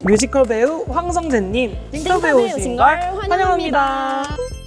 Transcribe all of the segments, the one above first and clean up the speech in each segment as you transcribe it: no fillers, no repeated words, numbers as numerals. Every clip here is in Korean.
뮤지컬 배우 황성재님 띵커브에 오신 걸 환영합니다.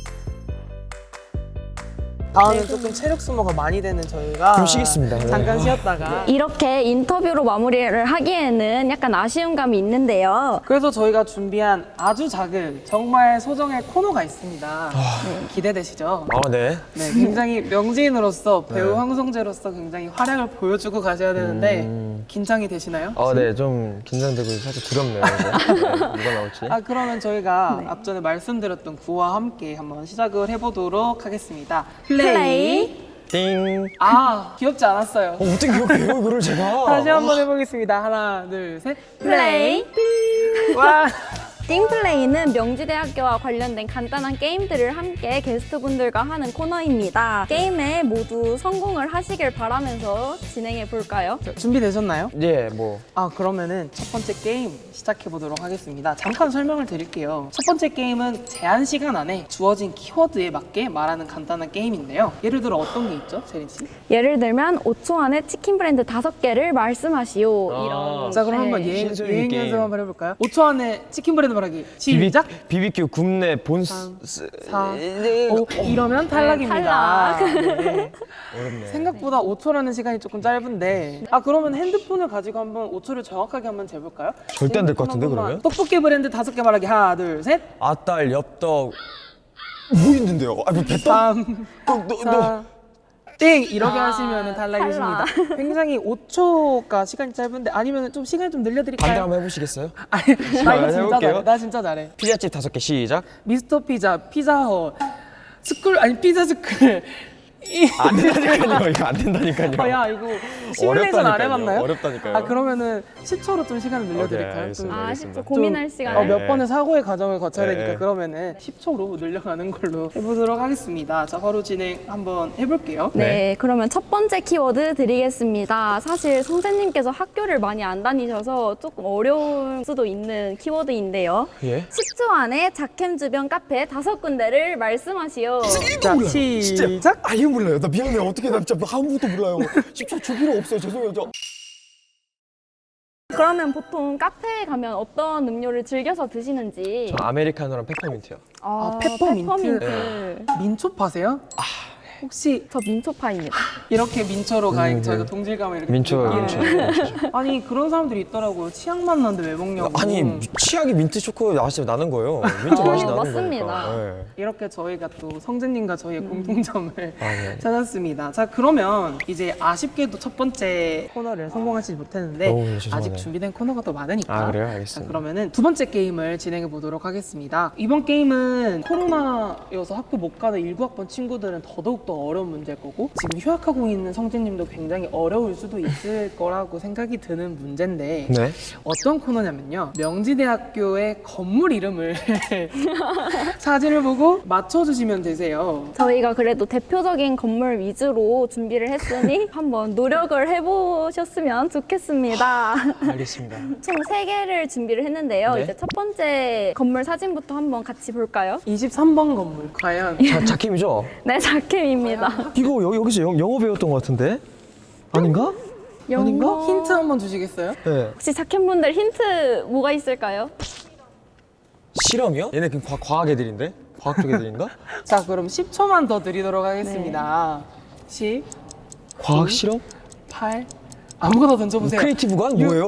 다음은 조금 체력 소모가 많이 되는 저희가 좀 쉬겠습니다. 잠깐 쉬었다가 이렇게 인터뷰로 마무리를 하기에는 약간 아쉬운 감이 있는데요. 그래서 저희가 준비한 아주 작은 정말 소정의 코너가 있습니다. 기대되시죠? 네. 네, 굉장히 명지인으로서 배우 황성재로서 굉장히 활약을 보여주고 가셔야 되는데 긴장이 되시나요? 네, 좀 긴장되고 살짝 두렵네요. 이제. 네, 누가 나올지. 그러면 저희가 앞전에 말씀드렸던 구와 함께 한번 시작을 해보도록 하겠습니다. 플레이. 띵. 귀엽지 않았어요. 어떻게 기억해요, 이거를 제가? 다시 한번 해보겠습니다. 하나, 둘, 셋. 플레이. 와. 띵플레이는 명지대학교와 관련된 간단한 게임들을 함께 게스트분들과 하는 코너입니다. 게임에 모두 성공을 하시길 바라면서 진행해 볼까요? 준비되셨나요? 예, 뭐. 그러면은 첫 번째 게임 시작해 보도록 하겠습니다. 잠깐 설명을 드릴게요. 첫 번째 게임은 제한 시간 안에 주어진 키워드에 맞게 말하는 간단한 게임인데요. 예를 들어 어떤 게 있죠, 세린 씨? 예를 들면 5초 안에 치킨 브랜드 5개를 말씀하시오. 이런. 자, 그럼 네. 한번 신선한 유행 게임. 연습 한번 해볼까요? 5초 안에 치킨 브랜드 말하기 시작! BBQ 굽네 본스. 4, 5 이러면 탈락입니다. 탈락. 네. 어렵네. 생각보다 5초라는 시간이 조금 짧은데 그러면 핸드폰을 가지고 한번 5초를 정확하게 한번 재볼까요? 절대 안될것 같은데, 핸드폰 그러면? 한번만. 떡볶이 브랜드 5개 말하기 하나 둘 셋 아딸, 엽떡. 뭐 있는데요? 뭐 배떡? 3 4 땡! 이렇게 하시면 탈락이십니다. 탈락. 굉장히 5초가 시간이 짧은데 아니면 좀 시간을 좀 늘려드릴까요? 반대 한번 해보시겠어요? 아니, 나 이거 진짜 해볼게요. 잘해. 나 진짜 잘해. 피자집 5개 시작. 미스터 피자, 피자헛, 피자 스쿨. 안 된다니까요. 이거 안 된다니까요. 야 이거 시뮬레이션 안 어렵다니까요. 해봤나요? 어렵다니까요. 그러면은 10초로 좀 시간을 늘려드릴까요? 오케이, 알겠습니다. 좀 알겠습니다. 10초 고민할 시간. 네. 몇 번의 사고의 과정을 거쳐야 네. 되니까 그러면은 10초로 늘려가는 걸로 해보도록 하겠습니다. 자, 바로 진행 한번 해볼게요. 네, 그러면 첫 번째 키워드 드리겠습니다. 사실 선생님께서 학교를 많이 안 다니셔서 조금 어려울 수도 있는 키워드인데요. 예? 10초 안에 작캠 주변 카페 5군데를 말씀하시오. 자, 진짜. 시작! 이거 몰라요. 나 미안해요. 어떻게 나 진짜 아무것도 몰라요. 10초 줄 필요 없어요. 죄송해요. 그러면 보통 카페에 가면 어떤 음료를 즐겨서 드시는지. 아메리카노랑 페퍼민트요. 페퍼민트. 페퍼민트. 민초 파세요? 혹시 저 민초파입니다. 이렇게 민초로 저희가 동질감을 이렇게 민초, 느끼는. 민초. 아니 그런 사람들이 있더라고요. 치약맛 나는데 왜 먹냐고. 아니 치약이 민트 초코 맛이 나는 거예요. 민트 맛이 나는 맞습니다. 거니까. 네. 이렇게 저희가 또 성재님과 저희의 공통점을 네. 찾았습니다. 자, 그러면 이제 아쉽게도 첫 번째 코너를 성공하지 못했는데 죄송하네요. 아직 준비된 코너가 더 많으니까. 그래요? 자, 알겠습니다. 그러면은 두 번째 게임을 진행해 보도록 하겠습니다. 이번 게임은 코로나여서 학교 못 가는 19학번 친구들은 더더욱 더 어려운 문제일 거고 지금 휴학하고 있는 성재님도 굉장히 어려울 수도 있을 거라고 생각이 드는 문제인데 네. 어떤 코너냐면요. 명지대학교의 건물 이름을 사진을 보고 맞춰주시면 되세요. 저희가 그래도 대표적인 건물 위주로 준비를 했으니 한번 노력을 해보셨으면 좋겠습니다. 알겠습니다. 총 3개를 준비를 했는데요. 네. 이제 첫 번째 건물 사진부터 한번 같이 볼까요? 23번 건물 과연 자킴이죠? 네, 작캠입니다. 이거 여기서 영어 배웠던 것 같은데? 아닌가? 아닌가? 힌트 한번 주시겠어요? 네. 혹시 작캠분들 힌트 뭐가 있을까요? 실험이요? 얘네 그냥 과학 애들인데? 과학 쪽 애들인가? 자, 그럼 10초만 더 드리도록 하겠습니다. 10, 과학 실험? 8, 아무거나 던져보세요. 크리에이티브관? 뭐예요?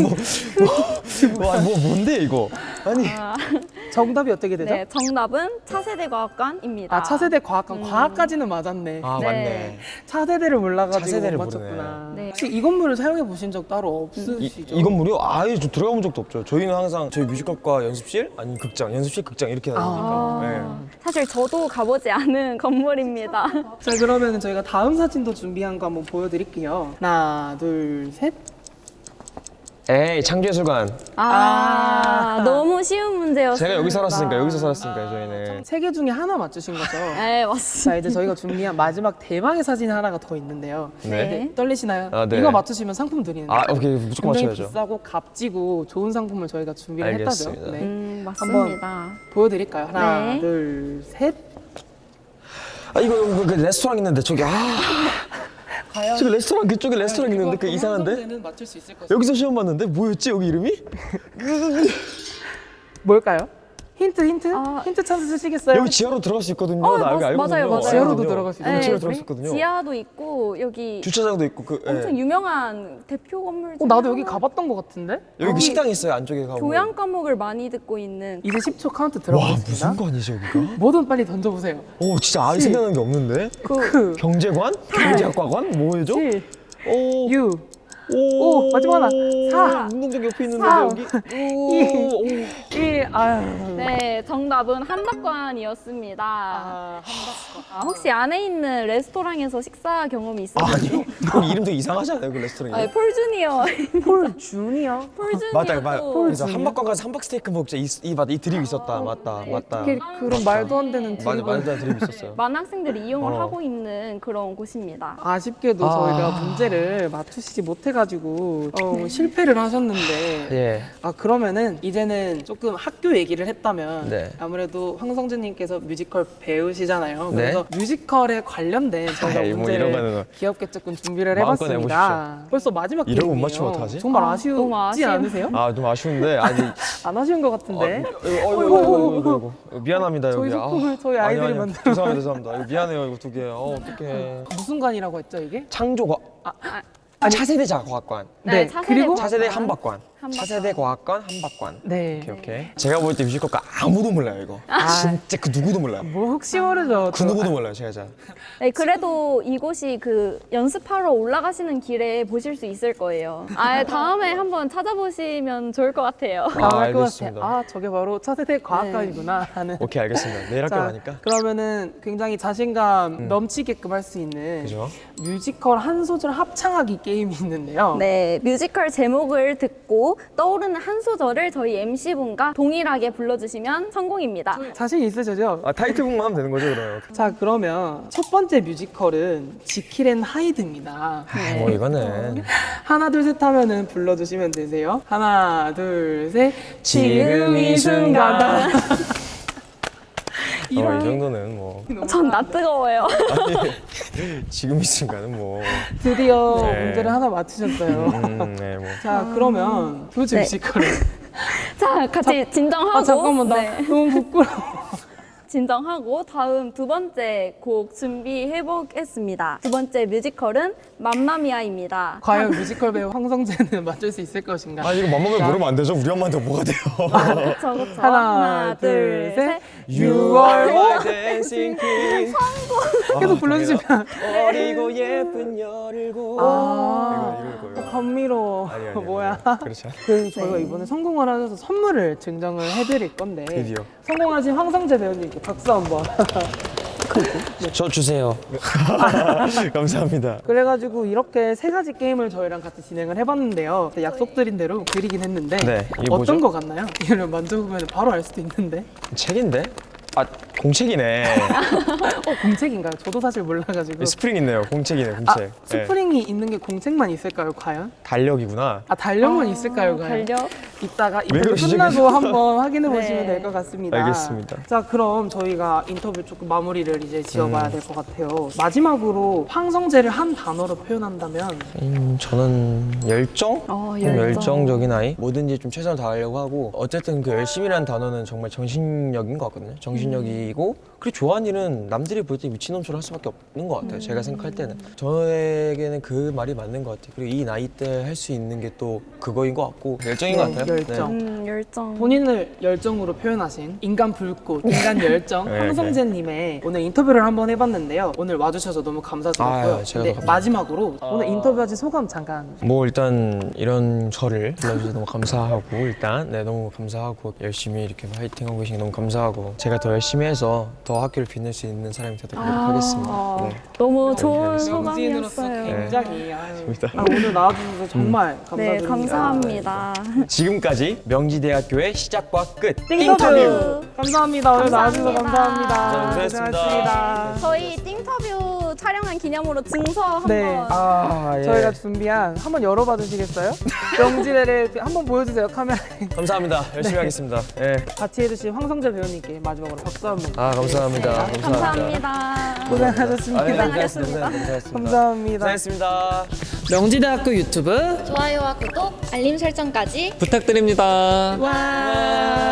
뭔데 이거? 아니 정답이 어떻게 되죠? 네, 정답은 차세대 과학관입니다. 차세대 과학관. 과학까지는 맞았네. 아 네. 맞네. 차세대를 몰라가지고 차세대를 못 맞췄구나. 모르네. 네. 혹시 이 건물을 사용해 보신 적 따로 없으시죠? 이 건물이요? 아예 저 들어가 본 적도 없죠. 저희는 항상 저희 뮤지컬과 연습실 아니면 극장, 연습실 극장 이렇게 다니니까. 네. 사실 저도 가보지 않은 건물입니다. 자, 그러면 저희가 다음 사진도 준비한 거 한번 보여드릴게요. 하나, 둘, 셋. 에이 창조예술관. 너무 쉬운 문제였어요. 제가 여기 살았으니까 여기서 살았으니까 저희는. 세 개 중에 하나 맞추신 거죠? 네, 맞습니다. 자, 이제 저희가 준비한 마지막 대망의 사진 하나가 더 있는데요. 네. 이제 떨리시나요? 아, 네. 이거 맞추시면 상품 드리는데. 오케이 무조건 굉장히 맞춰야죠. 비싸고 값지고 좋은 상품을 저희가 준비를 알겠습니다. 했다죠. 네. 맞습니다. 보여드릴까요? 하나, 네. 둘, 셋. 이거 그 레스토랑 있는데 저기 과연 저기 레스토랑 그쪽에 레스토랑 있는데 그 이상한데? 황성재는 맞출 수 있을 것인가? 여기서 시험 봤는데 뭐였지 여기 이름이? 뭘까요? 힌트 아. 힌트 찬스 쓰시겠어요? 여기 지하로 들어갈 수 있거든요. 나 여기 알거든요. 맞아요, 맞아요. 지하로도 들어갈 수 있어요. 네, 지하로 네, 들어갈 수 있거든요. 지하도 있고 여기 주차장도 있고 그 엄청 예. 유명한 대표 건물 중에 나도 여기 하나. 가봤던 것 같은데? 여기 그 식당 있어요 안쪽에 가고. 교양 과목을 많이 듣고 있는 이제 10초 카운트 와 들어가겠습니다. 무슨 관이지 여기가? 뭐든 빨리 던져보세요. 오 진짜 아예 생각나는 게 없는데? 그 경제관? 경제학과관? 뭐죠? 7, 오. 6, 오, 마지막 하나. 4, 운동장 옆에 있는데 4, 여기. 오. 1, 아유. 네, 정답은 한박관이었습니다. 혹시 안에 있는 레스토랑에서 식사 경험이 있으세요? 아니요. 거기 이름 되게 이상하지 않아요 그 레스토랑이? 아, 폴주니어. 폴 주니어. 폴주니어. 맞다 맞다. 그래서 폴 한박관 가서 한박 스테이크 먹자 이 드립 있었다 맞다. 어떻게 그런 말도 안 되는 맞아 드립을. 말도 안 드립 있었어요. 많은 학생들이 이용을 어. 하고 있는 그런 곳입니다. 아쉽게도 저희가 문제를 맞추시지 못해가지고 실패를 하셨는데 예. 그러면은 이제는 조금 학교 얘기를 했다면 네. 아무래도 황성재님께서 뮤지컬 배우시잖아요. 네. 그래서 뮤지컬에 관련된 저희가 아이, 뭐 문제를 이런 거는 귀엽게 조금 준비를 마음껏 해봤습니다. 벌써 마지막 이러고 못 게임이에요. 맞추면 어떡하지? 정말 너무 아쉬우지 아쉬워요. 않으세요? 아 좀 아쉬운데 아니. 안 아쉬운 것 같은데. 어이구 미안합니다 여기. 저희 소품을 저희 아이들이 아니, 만들어. 죄송합니다. 이거 미안해요 이거 두 개. 어떡해. 무슨 관이라고 했죠 이게? 창조과 차세대 과학관. 네, 네, 차세대 그리고 차세대 과학관. 한박관. 한박관. 차세대 과학관 한박관. 네. 오케이. 제가 볼 때 뮤지컬과 아무도 몰라요 이거. 진짜 그 누구도 몰라요. 뭐 혹시 모르죠. 그 누구도 몰라요 제가. 네, 그래도 이곳이 그 연습하러 올라가시는 길에 보실 수 있을 거예요. 다음에 한번 찾아보시면 좋을 것 같아요. 나올 것 알겠습니다. 같아. 저게 바로 차세대 과학관이구나 하는. 오케이 알겠습니다. 내일 학교 자, 가니까. 그러면은 굉장히 자신감 넘치게끔 할 수 있는 그죠? 뮤지컬 한 소절 합창하기 게임이 있는데요. 네, 뮤지컬 제목을 듣고 떠오르는 한 소절을 저희 MC분과 동일하게 불러주시면 성공입니다. 자신 있으시죠? 타이틀곡만 하면 되는 거죠 그러면? 자, 그러면 첫 번째 뮤지컬은 지킬 앤 하이드입니다. 뭐 이거는 하나, 둘, 셋 하면은 불러주시면 되세요. 하나, 둘, 셋. 지금 이 순간. 이 이런 정도는 뭐 전 나 뜨거워요. 지금 이 순간은 뭐. 드디어 네. 문제를 하나 맞추셨어요. 네 뭐. 자, 그러면 도대체 네. 뮤지컬은 자, 같이 진정하고. 잠깐만, 나 네, 너무 부끄러워. 진정하고 다음 두 번째 곡 준비해 보겠습니다. 두 번째 뮤지컬은 맘마미아입니다. 과연 뮤지컬 배우 황성재는 맞출 수 있을 것인가? 아 이거 맘먹으면 모르면 안 되죠? 우리 엄마한테 뭐가 돼요? 그쵸. 하나, 둘, 셋. 6월 my dancing queen. 계속 불러주시면. 어리고 예쁜 열일곱. 이거 이거요. 감미로워. 아니, 뭐야? 그렇지 않아. 그래서 저희가 이번에 성공을 하셔서 선물을 증정을 해드릴 건데 드디어. 성공하신 황성재 배우님께 박수 한번. 저 주세요. 감사합니다. 그래가지고 이렇게 세 가지 게임을 저희랑 같이 진행을 해봤는데요. 약속드린 대로 드리긴 했는데 네, 이게 어떤 뭐죠? 거 같나요? 이걸 만져보면 바로 알 수도 있는데. 책인데? 아 공책이네. 공책인가요? 저도 사실 몰라가지고. 스프링 있네요. 공책이네 공책. 스프링이 있는 게 공책만 있을까요, 과연? 달력이구나. 달력만 있을까요, 과연? 달력. 이따가 왜 인터뷰 그러시죠, 끝나고 계속? 한번 확인해 보시면 네. 될 것 같습니다. 알겠습니다. 자, 그럼 저희가 인터뷰 조금 마무리를 이제 지어봐야 될 것 같아요. 마지막으로 황성재를 한 단어로 표현한다면 저는 열정? 좀 열정. 열정적인 아이. 뭐든지 좀 최선을 다하려고 하고 어쨌든 그 열심이라는 단어는 정말 정신력인 것 같거든요. 정신력이고 그리고 좋아하는 일은 남들이 볼 때 미친놈처럼 할 수밖에 없는 것 같아요. 제가 생각할 때는 저에게는 그 말이 맞는 것 같아요. 그리고 이 나이 때 할 수 있는 게 또 그거인 것 같고 열정인 것 같아요. 열정. 열정. 본인을 열정으로 표현하신 인간 불꽃, 인간 열정 네, 황성재님의 오늘 인터뷰를 한번 해봤는데요. 오늘 와주셔서 너무 감사드렸고요. 아유, 제가 근데 더 감사합니다. 마지막으로 오늘 인터뷰하신 소감 잠깐. 뭐 일단 이런 저를 불러주셔서 너무 감사하고 일단 너무 감사하고 열심히 이렇게 화이팅하고 계신 게 너무 감사하고 제가 더 열심히 해서 더 학교를 빛낼 수 있는 사람이 되도록 노력하겠습니다. 네. 너무 좋은 명지인으로서 소감이었어요. 굉장히 재밌다. 오늘 나와주셔서 정말 네, 감사드립니다. 감사합니다. 지금까지 명지대학교의 시작과 끝 띵터뷰 감사합니다. 오늘 나와주셔서 감사합니다. 감사합니다. 고생하셨습니다. 저희 띵터뷰 촬영한 기념으로 증서 한번. 네. 예. 저희가 준비한 한번 열어봐 주시겠어요? 명지대를 한번 보여주세요 카메라에. 감사합니다. 열심히 하겠습니다. 예. 같이 해주신 황성재 배우님께 마지막으로 박수 한번. 감사합니다. 감사합니다. 고생하셨습니다. 고생하셨습니다. 감사합니다. 고생했습니다. 명지대학교 유튜브 좋아요와 구독, 알림 설정까지 부탁드립니다. 와.